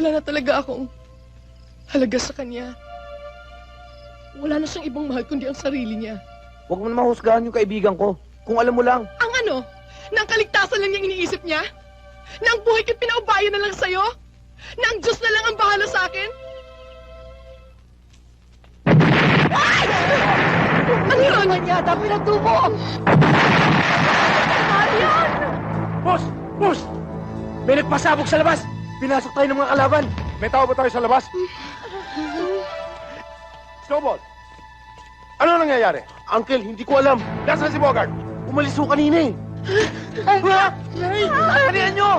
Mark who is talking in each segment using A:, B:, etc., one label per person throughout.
A: Wala na talaga akong halaga sa kanya. Wala na siyang ibang mahal kundi ang sarili niya.
B: Huwag mo na mahusgahan yung kaibigan ko. Kung alam mo lang.
A: Ang ano? Na ang kaligtasan lang niyang iniisip niya? Na ang buhay ko'y pinaubayo na lang sa'yo? Na ang Diyos na lang ang bahala sa akin? Ay! Ano yun?
B: Ano yata pinagtubo?
A: Marian!
C: Boss! Boss! May nagpasabog sa labas! Pinasok tayo ng mga kalaban! May tao ba tayo sa labas? Snowball! Ano nangyayari?
B: Uncle, hindi ko alam.
C: Nasaan si Bogart?
B: Umalis ko kanina eh. Kanihan nyo!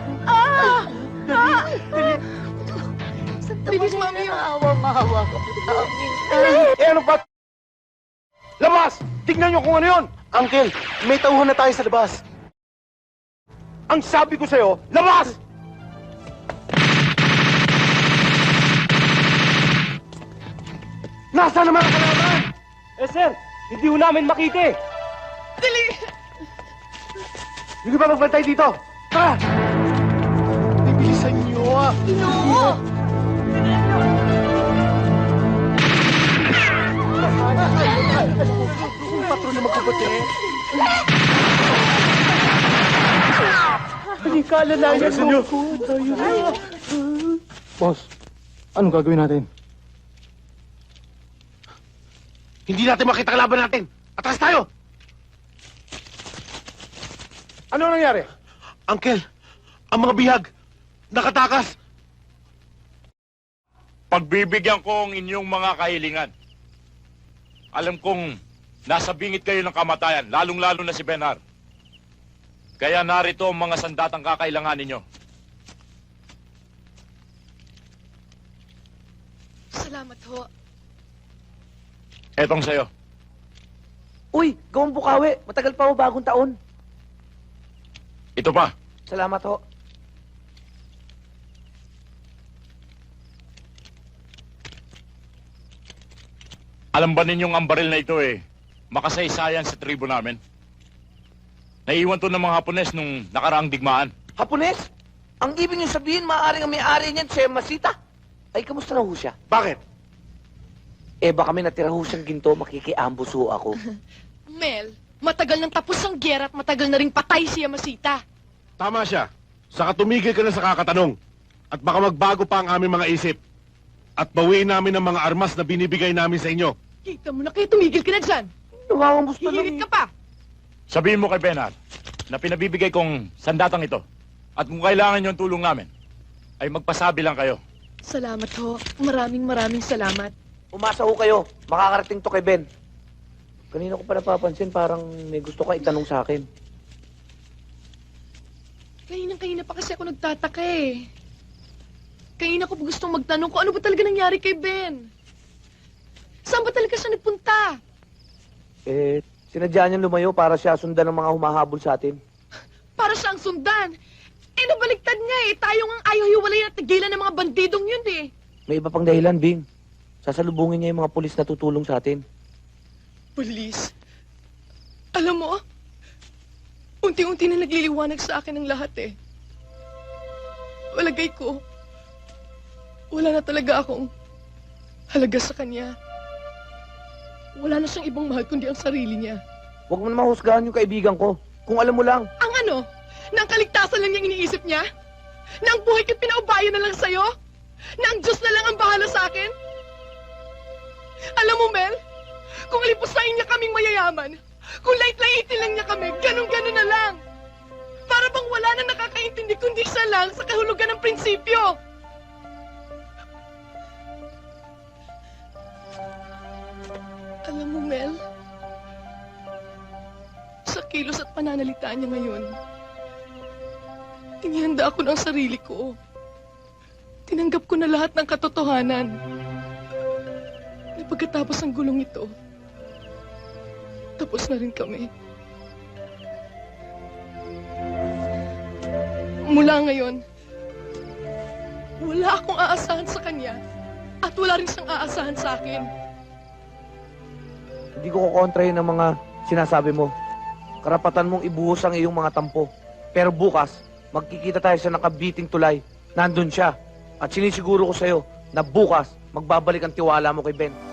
A: Bilis, mami yun.
B: Maawa ka po sa amin.
C: Eh ano ba? Labas! Tignan nyo kung ano yun!
B: Uncle, may tauhan na tayo sa labas.
C: Ang sabi ko sa'yo, labas! Nasaan naman ang kalaban? Eh sir, hindi ho namin makita eh.
A: Dali!
C: Hindi ba magbantay dito? Tara!
B: Bibilisan nyo ah.
A: No!
B: Patro na magkabate.
C: Hindi ka alalayan ko. Boss, anong gagawin natin?
B: Hindi natin makita kalaban natin. Atras tayo!
C: Ano nangyari?
B: Uncle, ang mga bihag, nakatakas.
D: Pagbibigyan ko ang inyong mga kahilingan. Alam kong nasa bingit kayo ng kamatayan, lalong-lalo na si Benhar. Kaya narito ang mga sandatang kakailangan ninyo.
A: Salamat ho.
D: Etong sa'yo.
B: Uy, gawang bukawi. Matagal pa ho bagong taon.
D: Ito pa.
B: Salamat ho.
D: Alam ba ninyong ang baril na ito makasaysayan sa tribo namin? Naiwan to ng mga Hapones nung nakaraang digmaan.
B: Hapones? Ang ibig niyo sabihin, maaaring ang may-ari niyan, si Masita. Ay, kamusta na ho siya?
C: Bakit?
B: Eh, baka may natira ho siyang ginto, makikiambos ho ako.
A: Mel, matagal nang tapos ang gera at matagal na ring patay si Yamasita.
C: Tama siya. Saka tumigil ka na sa kakatanong. At baka magbago pa ang aming mga isip. At bawiin namin ang mga armas na binibigay namin sa inyo.
A: Kita mo na kaya tumigil ka na dyan.
B: Nangangambos pa lang.
A: Hihirit ka pa.
D: Sabihin mo kay Benhar na pinabibigay kong sandatang ito. At kung kailangan nyo ang tulong namin, ay magpasabi lang kayo.
A: Salamat ho. Maraming salamat.
B: Umasa ho kayo. Makakarating to kay Ben. Kanina ko pa napapansin, parang may gusto ka itanong sa akin.
A: Kahinang-kahina pa kasi ako nagtataka eh. Kanina ko gustong magtanong kung ano ba talaga nangyari kay Ben. Saan ba talaga siya nagpunta?
B: Eh, sinadya niya lumayo para siya sundan ng mga humahabol sa atin.
A: Para siyang sundan. Eh, nabaliktad niya eh. Tayo nga ayaw hiwalay na tigilan ng mga bandidong yun eh.
B: May iba pang dahilan, Bing. Sasalubungin niya yung mga pulis na tutulong sa atin.
A: Pulis? Alam mo, unti-unti na nagliliwanag sa akin ang lahat eh. Walagay ko, wala na talaga akong halaga sa kanya. Wala na siyang ibang mahal kundi ang sarili niya.
B: Huwag mo na mahusgahan yung kaibigan ko. Kung alam mo lang.
A: Ang ano? Na ang kaligtasan lang niyang iniisip niya? Na ang buhay ko'y pinaubayo na lang sa'yo? Na ang Diyos na lang ang bahala sa akin? Alam mo, Mel, kung alipusain niya kaming mayayaman, kung lait-laitin lang niya kami, ganun-ganun na lang. Para bang wala na nakakaintindi kundi siya lang sa kahulugan ng prinsipyo. Alam mo, Mel, sa kilos at pananalita niya ngayon, inihanda ako ng sarili ko. Tinanggap ko na lahat ng katotohanan. Na pagkatapos ng gulong ito, tapos na rin kami. Mula ngayon, wala akong aasahan sa kanya at wala rin siyang aasahan sa akin.
B: Hindi ko kukontrahin ang mga sinasabi mo. Karapatan mong ibuhos ang iyong mga tampo. Pero bukas, magkikita tayo sa nakabiting tulay. Nandun siya. At sinisiguro ko sa'yo na bukas magbabalik ang tiwala mo kay Ben.